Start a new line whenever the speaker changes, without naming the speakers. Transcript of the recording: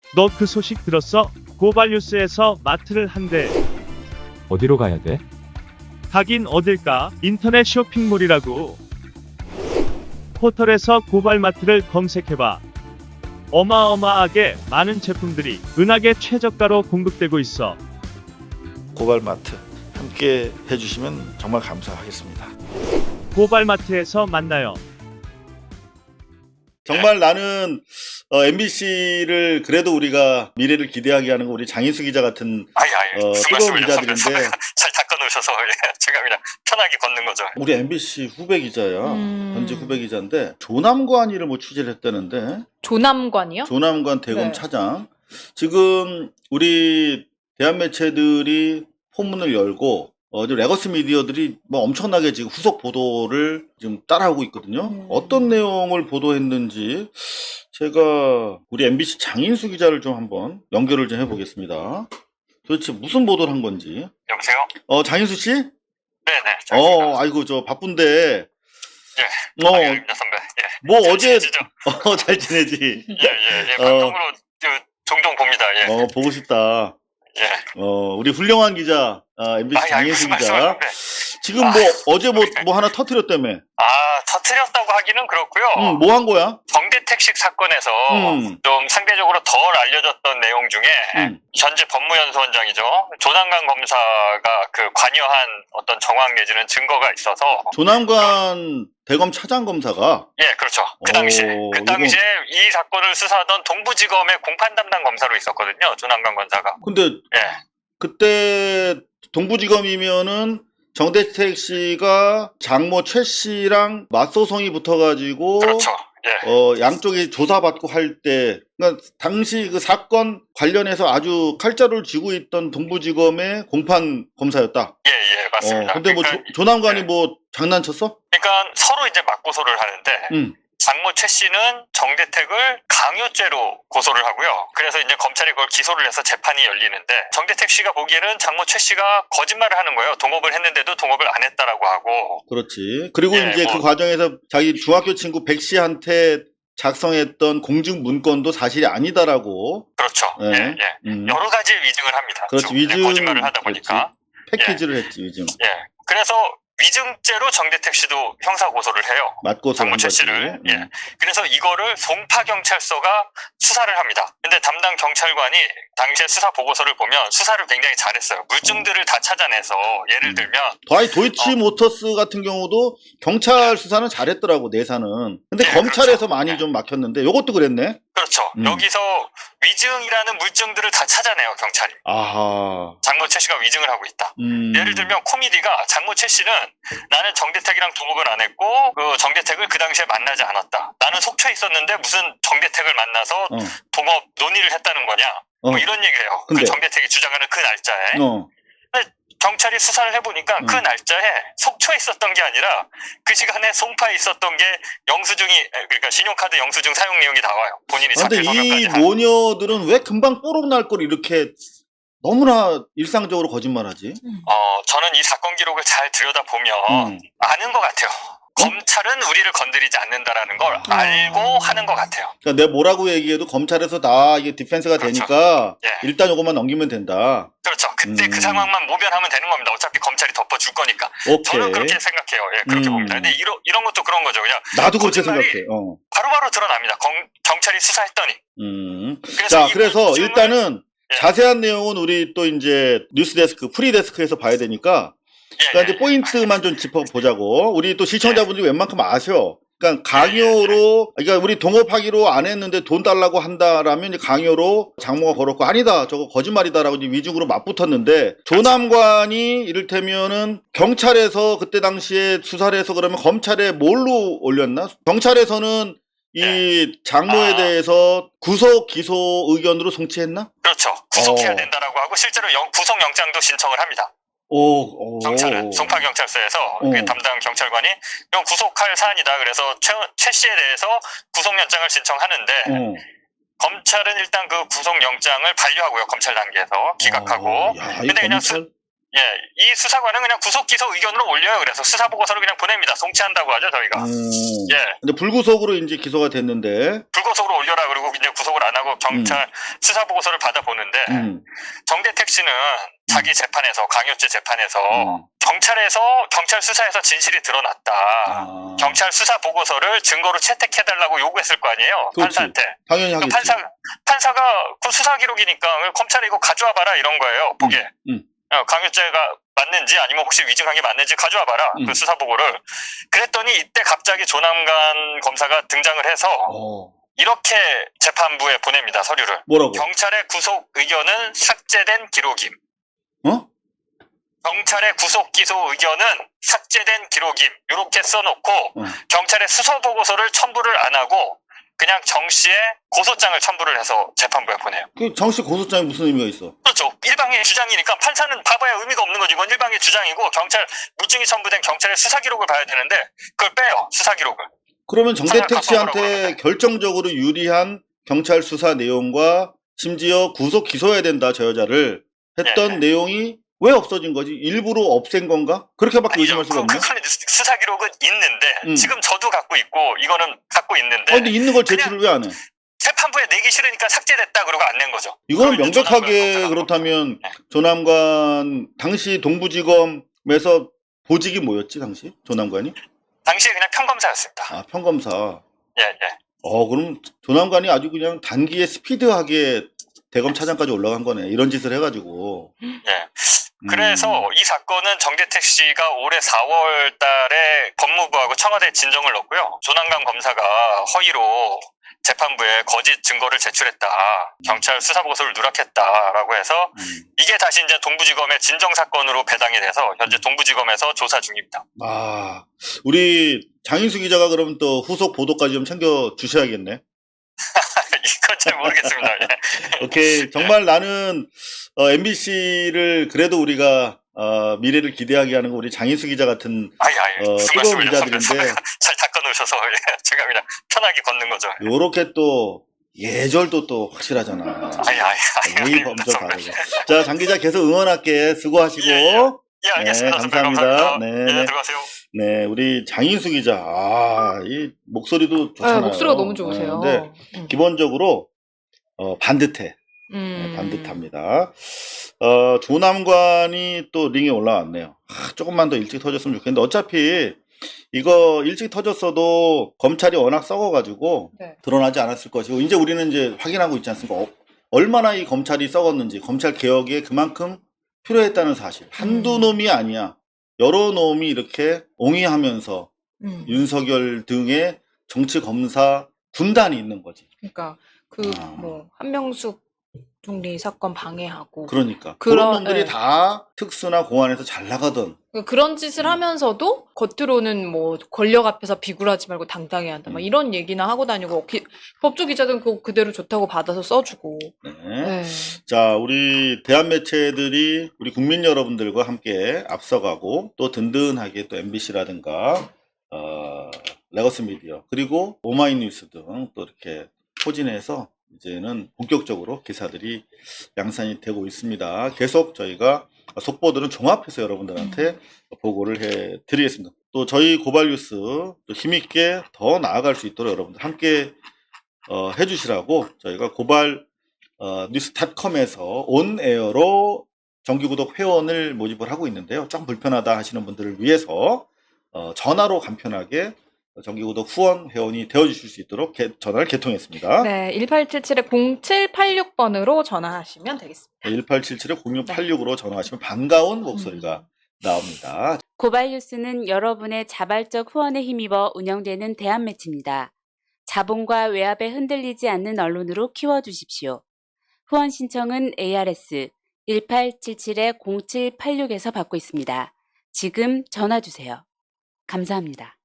너 그 소식 들었어? 고발뉴스에서 마트를 한대.
어디로 가야 돼?
가긴 어딜까? 인터넷 쇼핑몰이라고. 포털에서 고발마트를 검색해봐. 어마어마하게 많은 제품들이 은하계 최저가로 공급되고 있어.
고발마트 함께 해주시면 정말 감사하겠습니다.
고발마트에서 만나요.
정말 나는 MBC를 그래도 우리가 미래를 기대하게 하는 거 우리 장인수 기자 같은 뜨거운 기자들인데
잘 닦아놓으셔서 제가 그냥 편하게 걷는 거죠.
우리 MBC 후배 기자야. 현직 후배 기자인데 조남관이를 뭐 취재를 했다는데.
조남관이요?
조남관 대검
네.
차장. 지금 우리 대한 매체들이 포문을 열고 레거시 미디어들이 뭐 엄청나게 지금 후속 보도를 지금 따라하고 있거든요. 어떤 내용을 보도했는지 제가 우리 MBC 장인수 기자를 좀 한번 연결을 좀 해보겠습니다. 도대체 무슨 보도를 한 건지.
여보세요?
장인수 씨?
네네.
아이고 저 바쁜데.
예. 아닙니다, 선배. 예.
뭐
잘
어제
지내시죠?
잘 지내지.
예. 방송으로 종종 봅니다. 예.
보고 싶다.
예.
우리 훌륭한 기자, MBC 장인수 기자. 지금 어제 뭐 하나 터뜨렸다며.
터뜨렸다고 하기는 그렇고요.
뭐 한 거야?
정대택식 사건에서 좀 상대적으로 덜 알려졌던 내용 중에 현재 법무연수원장이죠. 조남관 검사가 그 관여한 어떤 정황 내지는 증거가 있어서.
조남관 대검 차장 검사가?
예, 그렇죠. 그 당시에 이 사건을 수사하던 동부지검의 공판 담당 검사로 있었거든요. 조남관 검사가.
근데
예.
그때 동부지검이면은 정대택 씨가 장모 최 씨랑 맞소송이 붙어가지고
그렇죠. 예.
양쪽이 조사받고 할 때, 그러니까 당시 그 사건 관련해서 아주 칼자루를 쥐고 있던 동부지검의 공판 검사였다.
예, 맞습니다.
근데
그러니까,
조남관이 뭐 장난쳤어?
그러니까 서로 이제 맞고소를 하는데, 장모 최 씨는 정대택을 강요죄로 고소를 하고요. 그래서 이제 검찰이 그걸 기소를 해서 재판이 열리는데, 정대택 씨가 보기에는 장모 최 씨가 거짓말을 하는 거예요. 동업을 했는데도 동업을 안 했다라고 하고.
그렇지. 그리고 이제 그 과정에서 자기 중학교 친구 백 씨한테 작성했던 공증 문건도 사실이 아니다라고.
그렇죠.
예.
여러 가지 위증을 합니다.
그렇지. 위증.
거짓말을 하다 보니까.
패키지를 했지, 위증.
예. 그래서 위증죄로 정대택 씨도 형사 고소를 해요. 장모 최 씨를. 예. 그래서 이거를 송파경찰서가 수사를 합니다. 근데 담당 경찰관이 당시에 수사 보고서를 보면 수사를 굉장히 잘했어요. 물증들을 다 찾아내서 예를 들면
도이치모터스 같은 경우도 경찰 수사는 잘했더라고, 내사는. 근데 검찰에서
그렇죠.
많이 좀 막혔는데 요것도 그랬네.
그렇죠. 여기서 위증이라는 물증들을 다 찾아내요, 경찰이.
아하.
장모 최 씨가 위증을 하고 있다. 예를 들면 코미디가 장모 최 씨는 나는 정대택이랑 동업을 안 했고 그 정대택을 그 당시에 만나지 않았다. 나는 속초에 있었는데 무슨 정대택을 만나서 동업 논의를 했다는 거냐. 뭐 이런 얘기를 해요. 그 정대택이 주장하는 그 날짜에. 근데 경찰이 수사를 해보니까 그 날짜에 속초에 있었던 게 아니라 그 시간에 송파에 있었던 게 그러니까 신용카드 영수증 사용 내용이 나와요. 본인이
근데
자필
이
서명까지
모녀들은 왜 금방 뽀록 날 걸 이렇게 너무나 일상적으로 거짓말하지?
저는 이 사건 기록을 잘 들여다보면 아는 것 같아요. 검찰은 우리를 건드리지 않는다라는 걸 알고 하는 것 같아요.
그러니까 내가 뭐라고 얘기해도 검찰에서 다 이게 디펜스가 되니까 일단 요것만 넘기면 된다.
그렇죠. 그때 그 상황만 모면하면 되는 겁니다. 어차피 검찰이 덮어줄 거니까.
오케이.
저는 그렇게 생각해요. 예, 그렇게 봅니다. 근데 이런 것도 그런 거죠. 그냥
나도 그렇게
거짓말이
생각해.
바로바로 드러납니다. 경찰이 수사했더니.
그래서 일단은 자세한 내용은 우리 또 이제 뉴스데스크, 프리데스크에서 봐야 되니까 그러니까 이제 포인트만 좀 짚어보자고. 우리 또 시청자분들이 웬만큼 아셔. 그러니까 강요로, 그러니까 우리 동업하기로 안 했는데 돈 달라고 한다라면 이제 강요로 장모가 걸었고 아니다, 저거 거짓말이다라고 이제 위증으로 맞붙었는데 조남관이 이를테면은 경찰에서 그때 당시에 수사를 해서 그러면 검찰에 뭘로 올렸나? 경찰에서는 이 장모에 대해서 구속 기소 의견으로 송치했나?
그렇죠. 구속해야 된다라고 하고 실제로 구속영장도 신청을 합니다. 경찰은 송파경찰서에서 그 담당 경찰관이 이건 구속할 사안이다. 그래서 최 씨에 대해서 구속영장을 신청하는데 검찰은 일단 그 구속영장을 반려하고요. 검찰 단계에서 기각하고. 근데 그냥 예, 이 수사관은 그냥 구속 기소 의견으로 올려요. 그래서 수사 보고서를 그냥 보냅니다. 송치한다고 하죠, 저희가. 예.
근데 불구속으로 이제 기소가 됐는데
불구속으로 올려라 그러고 이제 구속을 안 하고 경찰 수사 보고서를 받아보는데 정대택 씨는 자기 재판에서 강요죄 재판에서 경찰 수사에서 진실이 드러났다. 경찰 수사 보고서를 증거로 채택해달라고 요구했을 거 아니에요.
그렇지.
판사한테.
당연히 하겠지.
판사가 그 수사 기록이니까 검찰이 이거 가져와 봐라 이런 거예요. 보게. 강요죄가 맞는지 아니면 혹시 위증한 게 맞는지 가져와 봐라. 그 수사 보고를. 그랬더니 이때 갑자기 조남관 검사가 등장을 해서 이렇게 재판부에 보냅니다. 서류를.
뭐라고?
경찰의 구속 의견은 삭제된 기록임. 경찰의 구속 기소 의견은 삭제된 기록임. 이렇게 써놓고 경찰의 수사 보고서를 첨부를 안 하고 그냥 정 씨의 고소장을 첨부를 해서 재판부에 보내요.
그 정 씨 고소장에 무슨 의미가 있어?
그렇죠. 일방의 주장이니까 판사는 봐봐야 의미가 없는 거지. 이건 일방의 주장이고 경찰 물증이 첨부된 경찰의 수사 기록을 봐야 되는데 그걸 빼요. 수사 기록을.
그러면 정대택 씨한테 결정적으로 유리한 경찰 수사 내용과 심지어 구속 기소해야 된다 저 여자를 했던 내용이 왜 없어진 거지? 일부러 없앤 건가? 그렇게밖에 의심할 수가 없네.
수사 기록은 있는데 지금 저도 갖고 있고 이거는 갖고 있는데.
근데 있는 걸 제출을 왜 안 해?
재판부에 내기 싫으니까 삭제됐다 그러고 안 낸 거죠.
이거는 명백하게 그렇다면 조남관 당시 동부지검에서 보직이 뭐였지 당시 조남관이?
당시에 그냥 평검사였습니다.
아 평검사.
예.
그럼 조남관이 아주 그냥 단기에 스피드하게 대검 차장까지 올라간 거네. 이런 짓을 해가지고.
예. 그래서 이 사건은 정대택 씨가 올해 4월 달에 법무부하고 청와대에 진정을 넣었고요. 조남관 검사가 허위로 재판부에 거짓 증거를 제출했다. 경찰 수사보고서를 누락했다라고 해서 이게 다시 이제 동부지검의 진정사건으로 배당이 돼서 현재 동부지검에서 조사 중입니다.
우리 장인수 기자가 그러면 또 후속 보도까지 좀 챙겨 주셔야겠네.
이건 잘 모르겠습니다. 예.
오케이. 정말 나는 MBC를 그래도 우리가 미래를 기대하게 하는 거 우리 장인수 기자 같은 뜨거운 기자들인데
잘 닦아놓으셔서 제가 그냥 편하게 걷는 거죠.
요렇게 또 예절도 또 확실하잖아. 예의 범절 다르고. 자, 장 기자 계속 응원할게. 수고하시고.
예, 알겠습니다.
네, 감사합니다.
네, 들어가세요.
네, 우리 장인수 기자. 이 목소리도 좋잖아요.
목소리가 너무 좋으세요.
근데 기본적으로 반듯해. 반듯합니다. 조남관이 또 링에 올라왔네요. 조금만 더 일찍 터졌으면 좋겠는데 어차피 이거 일찍 터졌어도 검찰이 워낙 썩어가지고 드러나지 않았을 것이고 이제 우리는 이제 확인하고 있지 않습니까? 얼마나 이 검찰이 썩었는지 검찰 개혁에 그만큼 필요했다는 사실. 한두 놈이 아니야. 여러 놈이 이렇게 옹이하면서 윤석열 등의 정치 검사 군단이 있는 거지.
그러니까 뭐 한명숙 총리 사건 방해하고
그러니까 그런 놈들이 다 특수나 공안에서 잘 나가던
그런 짓을 하면서도 겉으로는 뭐 권력 앞에서 비굴하지 말고 당당해야 한다 막 이런 얘기나 하고 다니고 법조 기자들은 그거 그대로 좋다고 받아서 써주고.
자, 우리 대한 매체들이 우리 국민 여러분들과 함께 앞서가고 또 든든하게 또 MBC라든가 레거스 미디어 그리고 오마이뉴스 등 또 이렇게 포진해서 이제는 본격적으로 기사들이 양산이 되고 있습니다. 계속 저희가 속보들은 종합해서 여러분들한테 보고를 해드리겠습니다. 또 저희 고발뉴스 또 힘있게 더 나아갈 수 있도록 여러분들 함께 해주시라고 저희가 고발뉴스.com에서 온에어로 정기구독 회원을 모집을 하고 있는데요. 좀 불편하다 하시는 분들을 위해서 전화로 간편하게 정기구독 후원 회원이 되어주실 수 있도록 전화를 개통했습니다.
네, 1877-0786번으로 전화하시면 되겠습니다.
1877-0686으로 전화하시면 반가운 목소리가 나옵니다.
고발뉴스는 여러분의 자발적 후원에 힘입어 운영되는 대한매체입니다. 자본과 외압에 흔들리지 않는 언론으로 키워주십시오. 후원 신청은 ARS 1877-0786에서 받고 있습니다. 지금 전화주세요. 감사합니다.